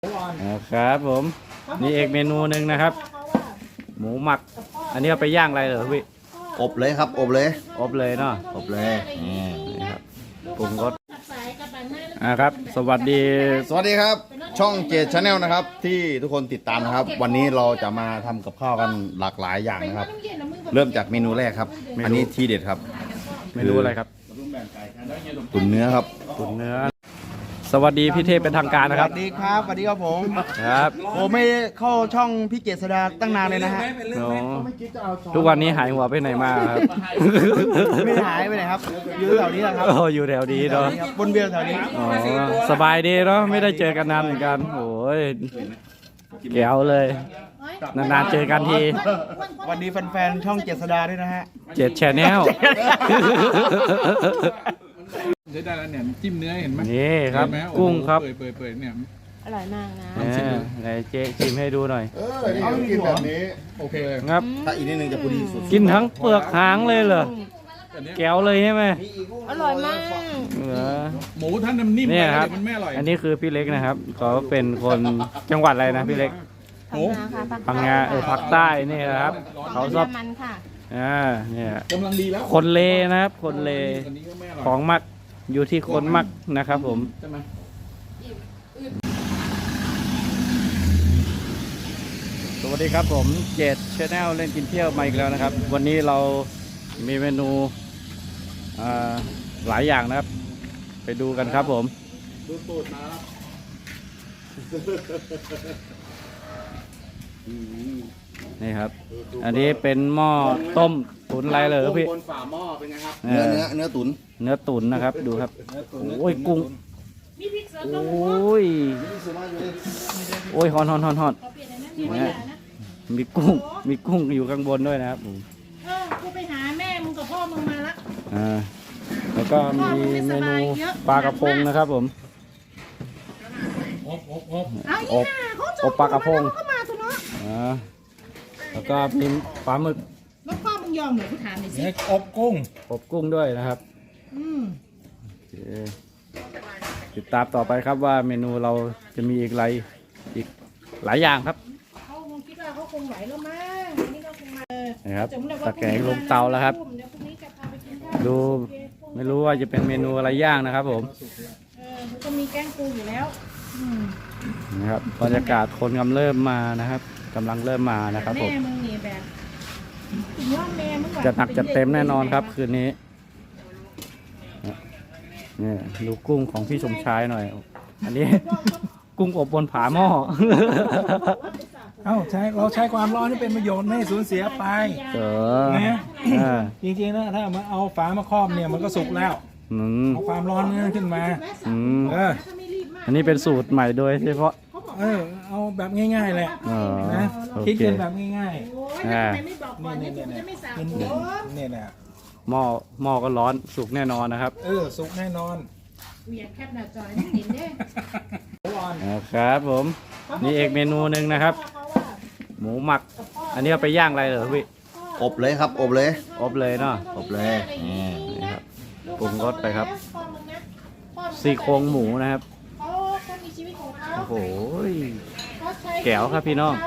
ครับผมนี่เอกเมนูหนึ่งนะครับหมูหมักอันนี้เอาไปย่างอะไรเหรอพี่อบเลยครับอบเลยอบเลยเนาะอบเลยนี่ครับปรุงรสครับสวัสดีครับช่องเจดชาแนลนะครับที่ทุกคนติดตามนะครับวันนี้เราจะมาทำกับข้าวกันหลากหลายอย่างนะครับเริ่มจากเมนูแรกครับอันนี้ทีเด็ดครับเมนูอะไรครับตุ๋นเนื้อครับตุ๋นเนื้อสวัสดีพี่เทพเป็นทางการนะครับสวัสดีครับสวัสดีครับผมครับผมไม่เข้าช่องพี่เกษดาตั้งนานเลยนะฮะทุกวันนี้หายหัวไปไหนมาครับไม่หายไปไหนครับอยู่แถวนี้แหละครับอยู่แถวนี้เนาะบนเบียร์แถวนี้สบายดีเนาะไม่ได้เจอกันนานเหมือนกันโอ้ยแก้วเลยนานๆเจอกันทีวันนี้แฟนๆช่องเกษดาด้วยนะฮะเจ็ดแชนแนลใช้ได้แล้วเนี่ยจิ้มเนื้อเห็นไหมนี่ครับกุ้งครับเปิดเนี่ยอร่อยมากนะไหนเจ๊ชิมให้ดูหน่อยนี่กินแบบนี้โอเคเลยครับถ้าอีกนิดนึงจะพอดีสุดกินทั้งเปลือกหางเลยเหรอแก้วเลยใช่ไหมอร่อยมากหมูท่านนิ่มนี่ครับมันไม่อร่อยอันนี้คือพี่เล็กนะครับเขาเป็นคนจังหวัดอะไรนะพี่เล็กพังงาภาคใต้นี่นะครับเขาชอบมันค่ะเนี่ยกำลังดีแล้วคนเลนะครับคนเลของมักอยู่ที่คนมักนะครับผมสวัสดีครับผมเจดชาแนลเล่นกินเที่ยวมาอีกแล้วนะครับวันนี้เรามีเมนูหลายอย่างนะครับไปดูกันครับผมดูตูดมาครับนี่ครับอันนี้เป็นหม้อต้มตุ๋นอะไรเลยพี่บนฝาหม้อเป็นไงครับเนื้อตุ๋นนะครับดูครับโอ้ยกุ้งโอ้ยฮอนมีกุ้งอยู่ข้างบนด้วยนะครับกูไปหาแม่มึงกับพ่อมึงมาละแล้วก็มีเมนูปลากระพงนะครับผมอบปลากระพงแล้วก็มีปลาหมึกแล้วพ่อมึงยอมเหรอกูถามหน่อยสิอบกุ้งด้วยนะครับติดตามต่อไปครับว่าเมนูเราจะมีอีกหลายอย่างครับเขาคงคิดว่าเขาคงไหวแล้วมั้งนี่ก็คงมานะครับตะแกรงลงเตาแล้วครับดูไม่รู้ว่าจะเป็นเมนูอะไรย่างนะครับผมก็มีแกงปูอยู่แล้วนะครับบรรยากาศคนกำลังเริ่มมานะครับผมแม่มึงนี่แบบจะหนักจะเต็มแน่นอนครับคืนนี้นี่ดูกุ้งของพี่สมชายหน่อยอันนี้กุ้งอบบนผาหม้อเราใช้ความร้อนที่เป็นประโยชน์ไม่สูญเสียไปนะจริงๆนะถ้ามาเอาฝามาครอบเนี่ยมันก็สุกแล้วเอาความร้อนนี่ขึ้นมาอันนี้เป็นสูตรใหม่โดยเฉพาะเอาแบบง่ายๆแหละนะคิดกันแบบง่ายๆไม่บอกก่อนเนี่ยผมจะไม่สั่งเนี่ยแหละหม้อก็ร้อนสุกแน่นอนนะครับสุกแน่นอนเวียนแคบหน้าจอยนี่เห็นได้ครับผมนี่เอกเมนูหนึ่งนะครับหมูหมักอันนี้เอาไปย่างอะไรเหรอพี่อบเลยครับอบเลยเนาะอบเลยนี่ครับปรุงรสไปครับซี่โครงหมูนะครับโอ้โหแก้วครับพี่น้อง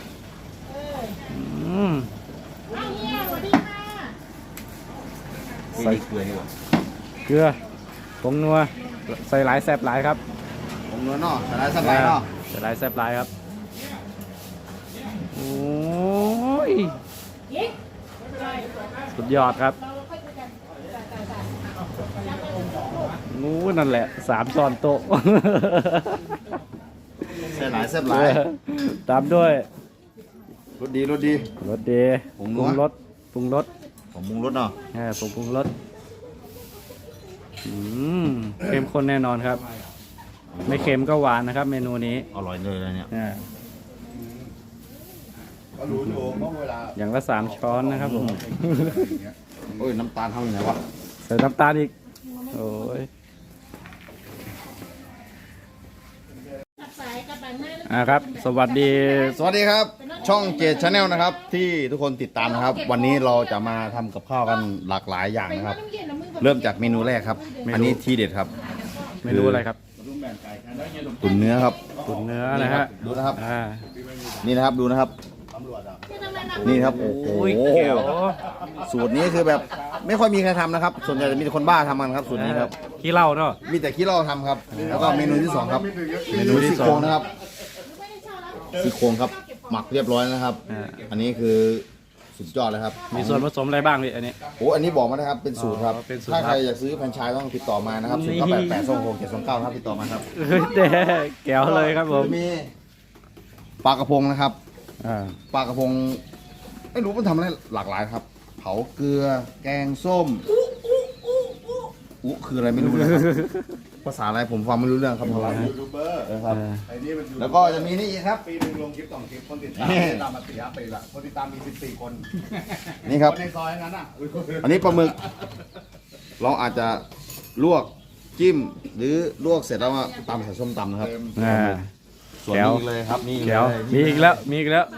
ใส่เกลือผงนัวใส่หลายแซ่บหลายครับผงนัวเนาะใส่หลายแซ่บหลายเนาะใส่หลายแซ่บหลายครับโอ้ยสุดยอดครับงูนั่นแหละ3 ช้อนโต๊ะใส่หลายแซ่บหลายตามด้วยรสดีผงรสเนาะผงปรุงรสเข้มข้นแน่นอนครับไม่เค็มก็หวานนะครับเมนูนี้อร่อยเลยเนี่ยอย่างละ3 ช้อนนะครับผมโอ้ยน้ำตาลทำยังไงวะใส่น้ำตาลอีกโอ้ยครับสวัสดีครับช่องเจดชาแนลนะครับที่ทุกคนติดตามนะครับวันนี้เราจะมาทำกับข้าวกันหลากหลายอย่างนะครับเริ่มจากเมนูแรกครับอันนี้ทีเด็ดครับเมนูอะไรครับตุ๋นเนื้อครับตุ๋นเนื้อนะฮะดูนะครับนี่นี่นะครับดูนะครับ นี่ครับโอ้โหแก้วสูตรนี้คือแบบไม่ค่อยมีใครทำนะครับ ส่วนใหญ่จะมีแต่คนบ้าทำกันครับสูตรนี้ครับขี้เหล้าเนาะมีแต่ขี้เหล้าทำครับ แล้วก็เมนูที่สองครับเมนูที่ซี่สองโครงนะครับซี่โครงครับ หมักเรียบร้อยแล้วนะครับ อันนี้คือสุดยอดเลยครับมีส่วนผสมอะไรบ้างพี่อันนี้โอ้อันนี้บอกมานะครับเป็นสูตรครับอ๋อเป็นสูตรถ้าใครอยากซื้อแฟรนไชส์ต้องติดต่อมานะครับนี่ 0988266729ครับติดต่อมาครับเฮ้ยแต่แก้วเลยครับผมมีปลากระพงนะครับอ่าปลากระพงไม่รู้มันทำอะไรหลากหลายครับ เผาเกลือ แกงส้มอุ๊คืออะไรไม่รู้นะครับ ภาษาอะไรผมฟังไม่รู้เรื่องครับผมครับ แล้วก็จะมีนี่อีกครับปีนึงลงคลิป2 คลิป คนติดตามตามมา4 ปีละคนติดตามมี14 คนนี่ครับในซอยนั้นอ่ะอันนี้ปลาหมึก เราอาจจะลวกจิ้ม หรือลวกเสร็จแล้วมาตำใส่ส้มตำนะครับอ่าส่วนแก้วนี้อีกเลยครับนี่อีกแก้วเลยมีอีกแล้วมีอีกแล้ว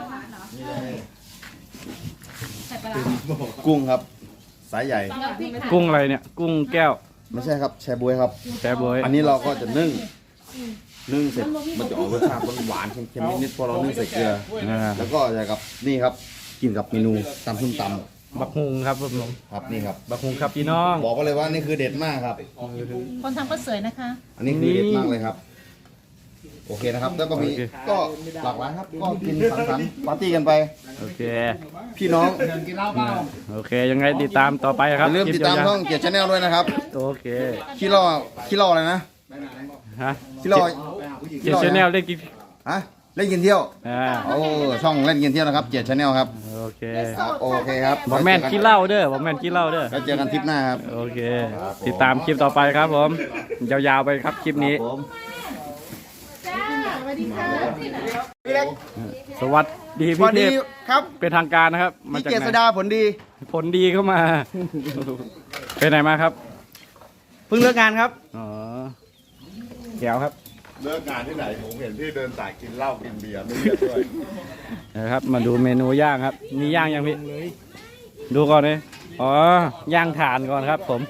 กุ้งครับสายใหญ่กุ้งอะไรเนี่ย กุ้งแก้วไม่ใช่ครับแชบวยครับแช่บวยอันนี้เราก็จะนึ่งเสร็จมันจะออกรสชาติหวานๆเค็มๆนิดๆเพราะเรานึ่งใส่เกลืออ่าแล้วก็จะกับนี่ครับกินกับเมนูตำส้มตบักฮุงครับผมำครับนี่ครับบักฮุงครับพี่น้องบอกก็เลยว่านี่คือเด็ดมากครับคนทำก็สวยนะคะอันนี้คือเด็ดมากเลยครับ โอเคนะครับ แล้วก็มีก็หลากหลายครับ ก็กินสังสรรค์ปาร์ตี้กันไปโอเคพี่น้องกินเหล้าเปล่าโอเค ยังไงติดตามต่อไปคอรับย่าลืมติดตามคลิปช่ยองเกียรติชาแนลด้วยนะครับๆโอเคขี้เล่าอะไรนะฮะขี้เล่าเจ็ดชแนลได้กินฮะเล่นกินเที่ยวอ่าโอ้ช่องเล่นกินเที่ยวนะครับเกียรติชาแนลครับโอเคครับโอเคครับบอกแม่นขี้เหล้าเด้อบอกแม่นขี้เหล้าเด้อแล้วเจอกันทริปหน้าครับโอเค ติดตามคลิปต่อไปครับผม ยาวๆไปครับคลิปนี้ผมจ้าสวัสดีค่ะสวัสดีสพี่วัสเทดีพครับเป็นทางการนะครับ มาพี่จากเจไหษนดาผลดีผลดีเข้ามา ไปไหนมาครับเพิ่งเลิกงานครับอ๋อแก้วครับเลิกงานที่ไหนผมเห็นพี่เดินสายกินเหล้ากินเบียร์ไม่เลือกด้วยนะครับ มาดูเมนูย่างครับ มีย่างยังพี่ ดูก่อนเลยอ๋อย่างถ่านก่อนครับผม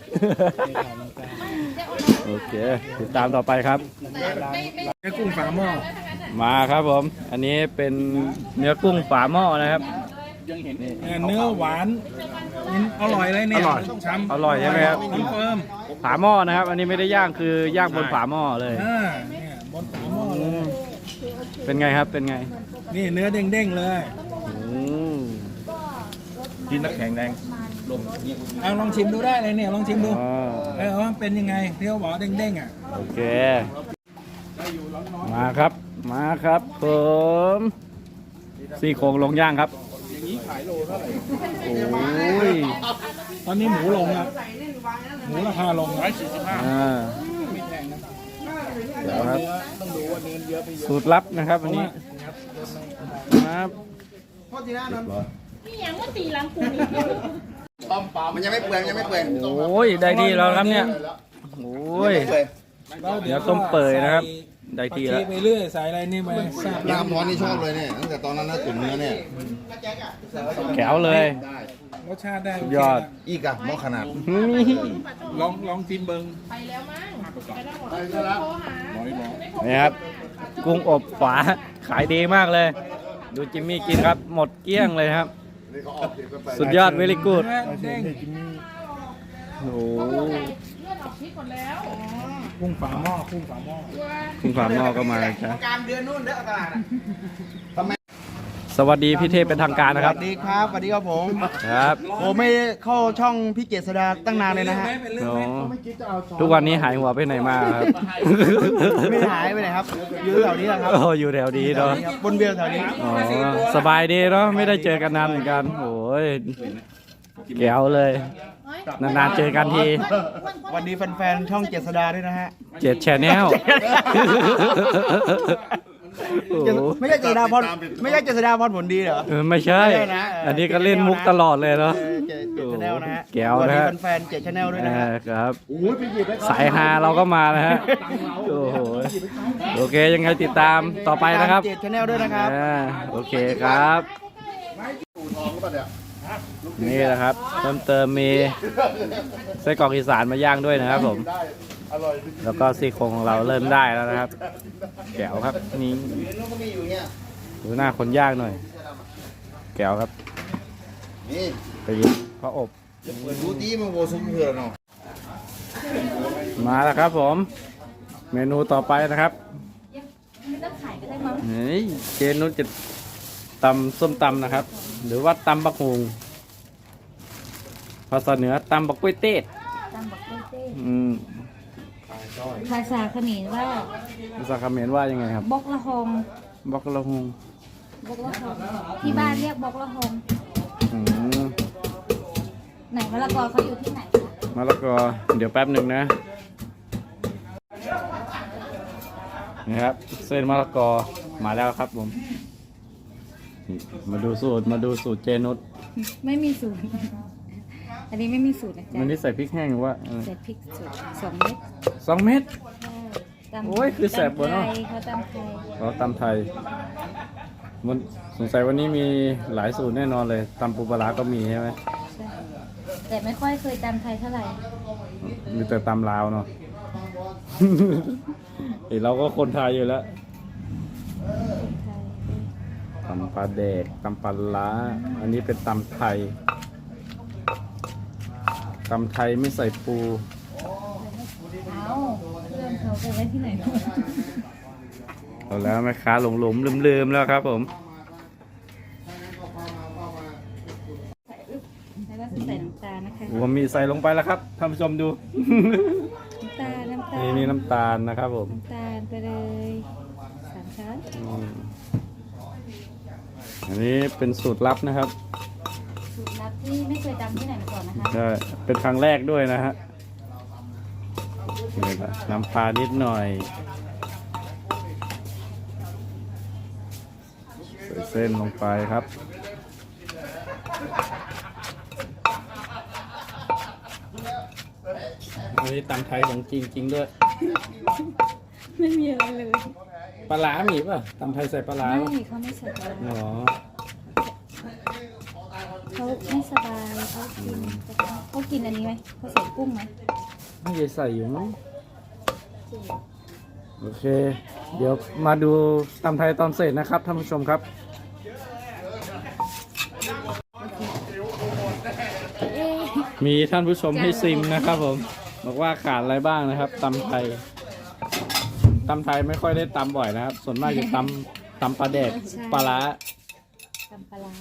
โอเค ติดตามต่อไปครับแค่กุ้งฝาหม้อมาครับผม อันนี้เป็นเนื้อกุ้งฝาหม้อนะครับเนื้อหวานอร่อยเลยเนี่ยอร่อยช้ำอร่อยใช่ไหมครับคอนเฟิร์มฝาหม้อนะครับ อันนี้ไม่ได้ย่างคือย่างบนฝาหม้อเลยเนี่ยบนฝาหม้อเลยเป็นไงครับ เป็นไงนี่เนื้อเด้งๆเลยอืมกินน้ำแข็งแดงเอาลองชิมดูได้เลยเนี่ยลองชิมดูอ๋อว่าเป็นยังไงที่เขาบอกเด้งๆอ่ะโอเค มาครับ มาครับผมซี่โครงลงย่างครับโอ้ยตอนนี้หมูลงครับหมูราคาลงนะอ่าเดี๋ยวครับสูตรลับนะครับวันนี้ครับนี่ยังว่าตีหลังกูนี่มันยังไม่เปื่อยยังไม่เปื่อยโอ้ยได้ที่แล้วครับเนี่ยโอ้ย เดี๋ยวต้มเปื่อยนะครับ ได้ที่แล้วไปเรื่อยใส่อะไรนี่ไปทราบยำร้อนนี่ชอบเลยเนี่ยตั้งแต่ตอนนั้นนะตุ๋นเนื้อเนี่ยแก้วเลยรสชาติได้สุดยอดอีกอะหม้อขนาดนี่ลองชิมเบิงไปแล้วมั้งไปแล้วหมดโทรหานี่ครับ กุ้งอบฝาขายดีมากเลย ดูจิมมี่กินครับ หมดเกลี้ยงเลยครับ สุดยอดเวลิกูดเนื้อเด้งโอ้โหเลือดออกพิษหมดแล้วกุ้งฝาหม้อกุ้งฝาหม้อคุณฝาหม้อก็มาเลยครับการเดือนนู่นเด้อตลาดสวัสดีพี่เทพเป็นทางการนะครับสวัสดีครับสวัสดีครับผมครับผมไม่เข้าช่องพี่เจษดาตั้งนานเลยนะฮะโอ้ทุกวันนี้หายหัวไปไหนมาครับไม่หายไปไหนครับอยู่แถวนี้แหละครับโอ้อยู่แถวดีเนาะบนเบียร์แถวนี้อ๋อสบายดีเนาะไม่ได้เจอกันนานเหมือนกันโอ้ยแก้วเลย นานๆเจอกันทีสวัสดีแฟนๆช่องเจษดาด้วยนะฮะเจ็ดแชนแนลไม่ใช่เจษดาพรไม่ใช่เจษดาพรผลดีเหรอไม่ใช่ไม่ใช่นะอันนี้ก็เล่นมุกตลอดเลยเนาะเจชแนลนะฮะแก้วสวัสนะดีฮะแฟนๆเจชแนลด้วยนะฮะครับสายฮาเราก็มานะฮะโอ้โหโอเคยังไงติดตามต่อไปนะครับเจชแนลด้วยนะครับโอเคครับ นี่แหละครับเติมมีไส้กรอกอีสานมาย่างด้วยนะครับผมแล้วก็ซี่โครงของเราเริ่มได้แล้วนะครับ แก้วครับนี่มันก็มีอยู่เนี่ยดูหน้าคนย่างหน่อย แก้วครับนี่ไปยิงพระอบเปิดดูดีมันโวซุปเพื่อนเนาะมาแล้วครับผม เมนูต่อไปนะครับไม่ต้องขายก็ได้มั้งเฮ้ยเจนุชจะตำส้มตำนะครับ หรือว่าตำบักฮุงภาษาเหนือตำบักกล้วยเต้ตามบอกเต้อืมภาษาเขมรว่าภาษาเขมรว่ายังไงครับบอกละหงบักละฮุงบอกละหงที่บ้านเรียกบอกละหงอืมไหนมะละกอเขาอยู่ที่ไหนคะมะละกอเดี๋ยวแป๊บหนึ่งนะนี่ครับ เส้นมะละกอมาแล้วครับผมนี่มาดูสูตรเจนุชไม่มีสูตร อันนี้ไม่มีสูตรนะจ๊ะมันนี่ใส่พริกแห้งหรือว่าใส่พริกสด2 เม็ด 2 เม็ดตำโอ้ยคือแสบบ่เนอะตำไทยเขาตำไทยเราตำไทยมันสงสัยวันนี้มีหลายสูตรแน่นอนเลยตำปูปลาร้าก็มีใช่ไหมใช่แต่ไม่ค่อยเคยตำไทยเท่าไหร่มีแต่ตำลาวเนาะ เฮ้ยเราก็คนไทยอยู่แล้วไทยตำปลาแดกตำปลาร้าอันนี้เป็นตำไทยตำไทยไม่ใส่ปูเอาเพื่อนเขาไปไว้ที่ไหนเอาแล้วแม่ค้าหลงลืมแล้วครับผมแล้วก็ใส่น้ำตาลนะคะผมมีใส่ลงไปแล้วครับท่านผู้ชมดูน้ำตาลนี่น้ำตาลนะครับผมน้ำตาลไปเลย3 ช้อนอืมอันนี้เป็นสูตรลับนะครับสูตรลับที่ไม่เคยตำที่ไหนมาก่อนนะคะใช่เป็นครั้งแรกด้วยนะฮะนี่นะน้ำปลานิดหน่อยใส่เส้นลงไปครับอันนี้ตำไทยของจริงด้วยไม่มีอะไรเลยปลาร้ามีป่ะตำไทยใส่ปลาร้าไม่ป่ะมีเขาไม่สบายอ๋อเขาไม่สบายเขากินอันนี้ไหมเขาใส่กุ้งไหมไม่ได้ใส่อยู่มั้งโอเค เดี๋ยวมาดูตำไทยตอนเสร็จนะครับท่านผู้ชมครับเอ๊ะมีท่านผู้ชมให้ซิมนะครับผมบอกว่าขาดอะไรบ้างนะครับตำไทยไม่ค่อยได้ตำบ่อยนะครับ ส่วนมากจะตำปลาแดกปลาร้าตำปลาร้า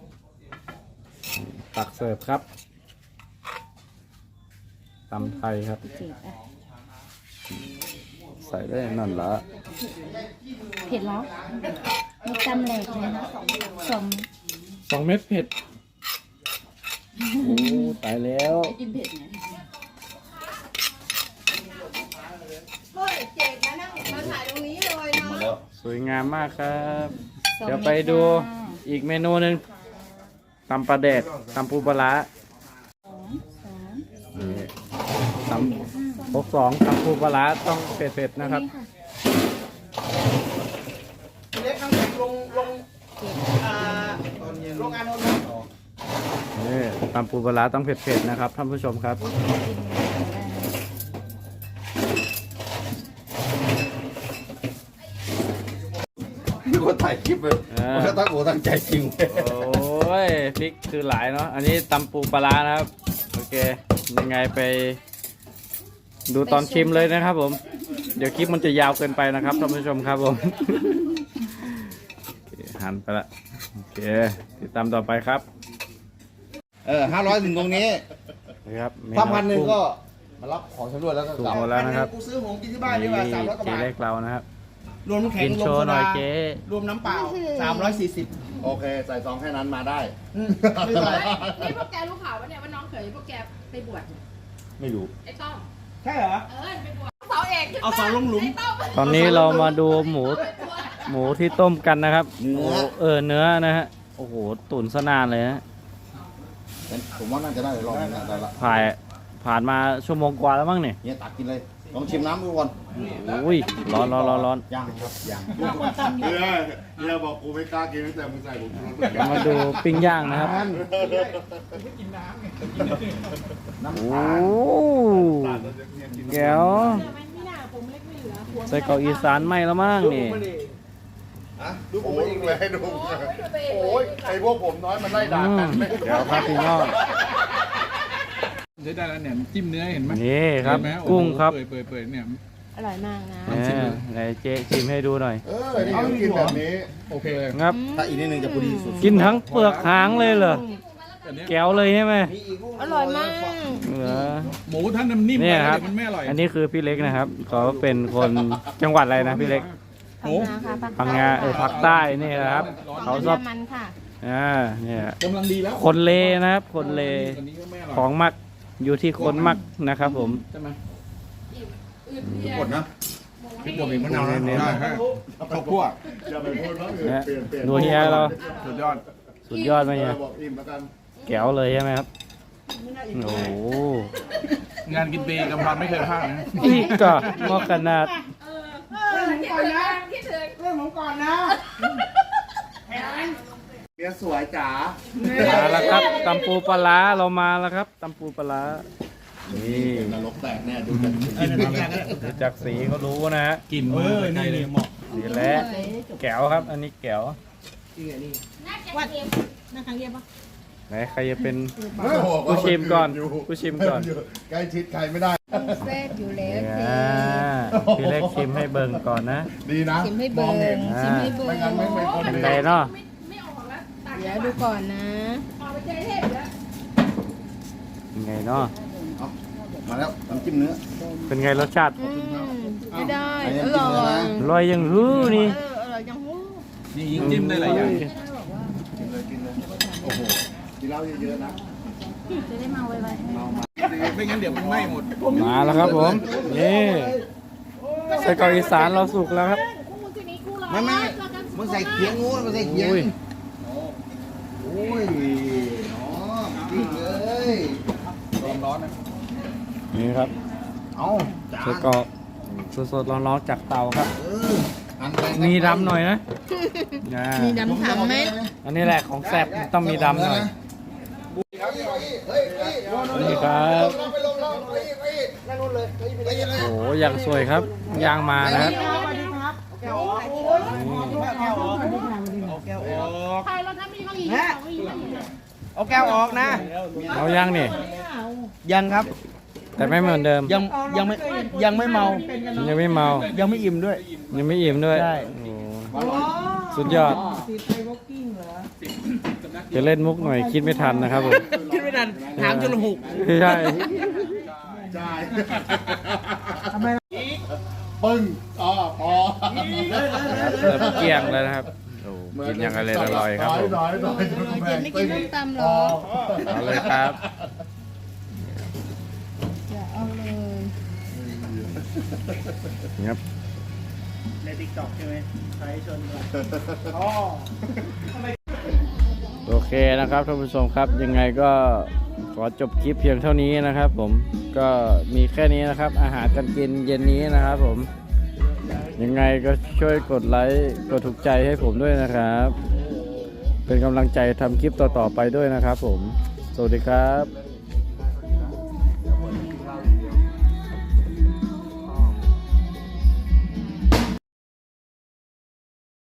ตักเสิร์ฟครับตำไทยครับเจ็บอ่ะใส่ได้นั่นละเผ็ดแล้วมีตำแหลกเลยนะ2 2 เม็ดเผ็ดโอ้ตายแล้วกินเผ็ดไหมสวยงามมากครับ 2 เดี๋ยวไปดูอีกเมนูหนึ่งตำปลาแดกตำปูปลาร้า 2 3 นี่ตำ62ตำปูปลาร้าต้องเผ็ดๆนะครับเล็กน้ำแข็งลงโรงงานโน้นนะนี่ตำปูปลาร้าต้องเผ็ดๆนะครับท่านผู้ชมครับมีคนถ่ายคลิปเลยอ่ามันก็ตั้งหัวตั้งใจจริงโอ้ยพริกคือหลายเนาะอันนี้ตำปูปลาร้านะครับโอเคยังไงไปดูตอนชิมเลยนะครับผม เดี๋ยวคลิปมันจะยาวเกินไปนะครับท่านผู้ชมครับผม โอเคหันไปละโอเคติดตามต่อไปครับ 500ถึงตรงนี้นะครับถ้า1,000ก็มารับของชำร่วยแล้วก็ถูกกลับหมดแล้วนะครับกูซื้อหงกินที่บ้านดีกว่า300 กว่าเจ๊บาทเล็กเรานะครับรวมน้ำแข็งกินรวโชมว์โซหน่อดายเจ๊รวมน้ำเปล่า340 โอเค ใส่ซองแค่นั้นมาได้ไม่เป็นไรนี่พวกแกรู้ข่าวว่าเนี่ยว่าน้องเขยพวกแกไปบวชเนี่ยไม่รู้ไอ้ต้อมใช่เหรอไปบวชเสาเอกขึ้นเอาเสาลงหลุมไอ้ต้อมตอนนี้เรามาดูหมูที่ต้มกันนะครับเนื้อโอ้เนื้อนะฮะโอ้โหตุ๋นซะนานเลยฮะผมว่าน่าจะได้รอบนึงนะได้ละผ่านมาชั่วโมงกว่าแล้วมั้งเนี่ยเนี่ยตักกินเลยลองชิมน้ำดูก่อนอุ้ยร้อนร้อนร้อนร้อนย่างครับย่างเนี่ยบอกกูไม่กล้ากินตั้งแต่มึงใส่ผมชูรสเดี๋ยวมาดูปิ้งย่างนะครับน้ำโอ้ตาลแก้วใส่เกาอีสานไหมแล้วมั้งนี่อ่ะดูผมเองเลยให้ดูโอ้ยไอพวกผมน้อยมันไล่ด่ากันไม่เดี๋ยวครับพี่น้องใช้ได้แล้วเนี่ยจิ้มเนื้อเห็นไหมนี่ครับเห็นไหมโอ้โหกุ้งครับเปื่อยเนี่ยอร่อยมากนะไหนเจ๊ชิมให้ดูหน่อยนี่เขากินแบบนี้โอเคเลยครับถ้าอีกนิดนึงจะพอดีสุดกินทั้งเปลือกหางเลยเหรออันเนี้ยแก้วเลยใช่ไหมอร่อยมากเหรอหมูท่านน้ำนิ่มเนี่ไปยครับเดี๋ยวมันไม่อร่อยอันนี้คือพี่เล็กนะครับเขาเป็นคนจังหวัดอะไรนะพี่เล็กโอ้พังงาค่ะภาคใต้นี่นะครับเขาชอบมันค่ะเนี่ยกำลังดีแล้วคนเลนะครับ คนเลอันนี้ก็ไม่อร่อยของมักอยู่ที่คนมักนะครับผมใช่ไหมหมดนะพริกบวกอีกมะนาวนะเน้นๆได้ฮะข้าวคั่วอย่าไปพูดว่าเนี่ยเปลี่ยนเปลี่ยนดูเฮียเราสุดยอดสุดยอดไหมเฮียบอกอิ่มแล้วกันแก้วเลยใช่ไหมครับโอ้โหงานกินเบย์กำพันไม่เคยพลาดนะอีกก็งอกขนาดเมียสวยจ๋ามาแล้วครับตำปูปลาร้าเรามาแล้วครับตำปูปลาร้านี่นรกแตกแน่ดูจากกินมาเลยดูจากสีเขารู้นะฮะกินมานี่เลยเหมาะสีแล้วแก้วครับ อันนี้แก้วไหนใครจะเป็นผู้ชิมก่อนผู้ชิมก่อนใกล้ชิดใครไม่ได้แซ่บอยู่แล้วพี่เล็กชิมให้เบิ่งก่อนนะดีนะชิมให้มเบิ่องงเห็นชิมให้เบิ่ไม่งงั้นไม่เป็นคนเป็นดีไงเนาะเดี๋ยวดูก่อนนะเป็นไงเนาะมาแล้วน้ำจิ้มเนื้อเป็นไงรสชาติไม่ได้อันนี้อน้ำจิ้มร่อเนื้อย นะอร่อยยังฮื้อนี่อร่อยจังหู้นี่ยิงจิ้มได้หลายอย่างโอ้โหกินเหล้าเยอะๆนะจะได้มาไวไม่งั้นเดี๋ยวมันไหม้หมดมาแล้วครับผมนี่ใส่เกาอีสานเราสุกแล้วครับไม่มึงใส่เคียงงูมึงใส่เคียงอุ้ยโอ้ยอ๋อจริงเลยร้อนๆนะนี่ครับเอาจาใส่นเกาสดๆร้อนๆจากเตาครับหั่นไปมีดำหน่อยนะอ่ามีดำถังไหมอันนี้แหละของแซ่บต้องมีดำหน่อยนี่ครับโอ้โหอย่างสวยครับย่างมานะครับเอาแก้วออกนะเอาย่างนี่ยังครับแต่ไม่เหมือนเดิมยังไม่เมายังไม่เมายังไม่อิ่มด้วยยังไม่อิ่มด้วยใช่โอ้โหสุดยอดจะเล่นมุกหน่อยคิดไม่ทันนะครับผมคิดไม่ทันถามจนหุกใช่ใช่ปึ้งอ๋อพอเริ่มเกลี้ยงแล้วนะครับโอ้โหกินอย่างอร่อยๆครับผมน้อยๆเจ็ดไม่กินส้มตำหรอเอาเลยครับอย่าเอาเลยครับในติ๊กต็อกใช่ไหมใช้ชนโอเคนะครับท่านผู้ชมครับยังไงก็ขอจบคลิปเพียงเท่านี้นะครับ ผมก็มีแค่นี้นะครับ อาหารการกินเย็นนี้นะครับผมยังไงก็ช่วยกดไลค์กดถูกใจให้ผมด้วยนะครับ เป็นกำลังใจทำคลิปต่อๆไปด้วยนะครับผมสวัสดีครับ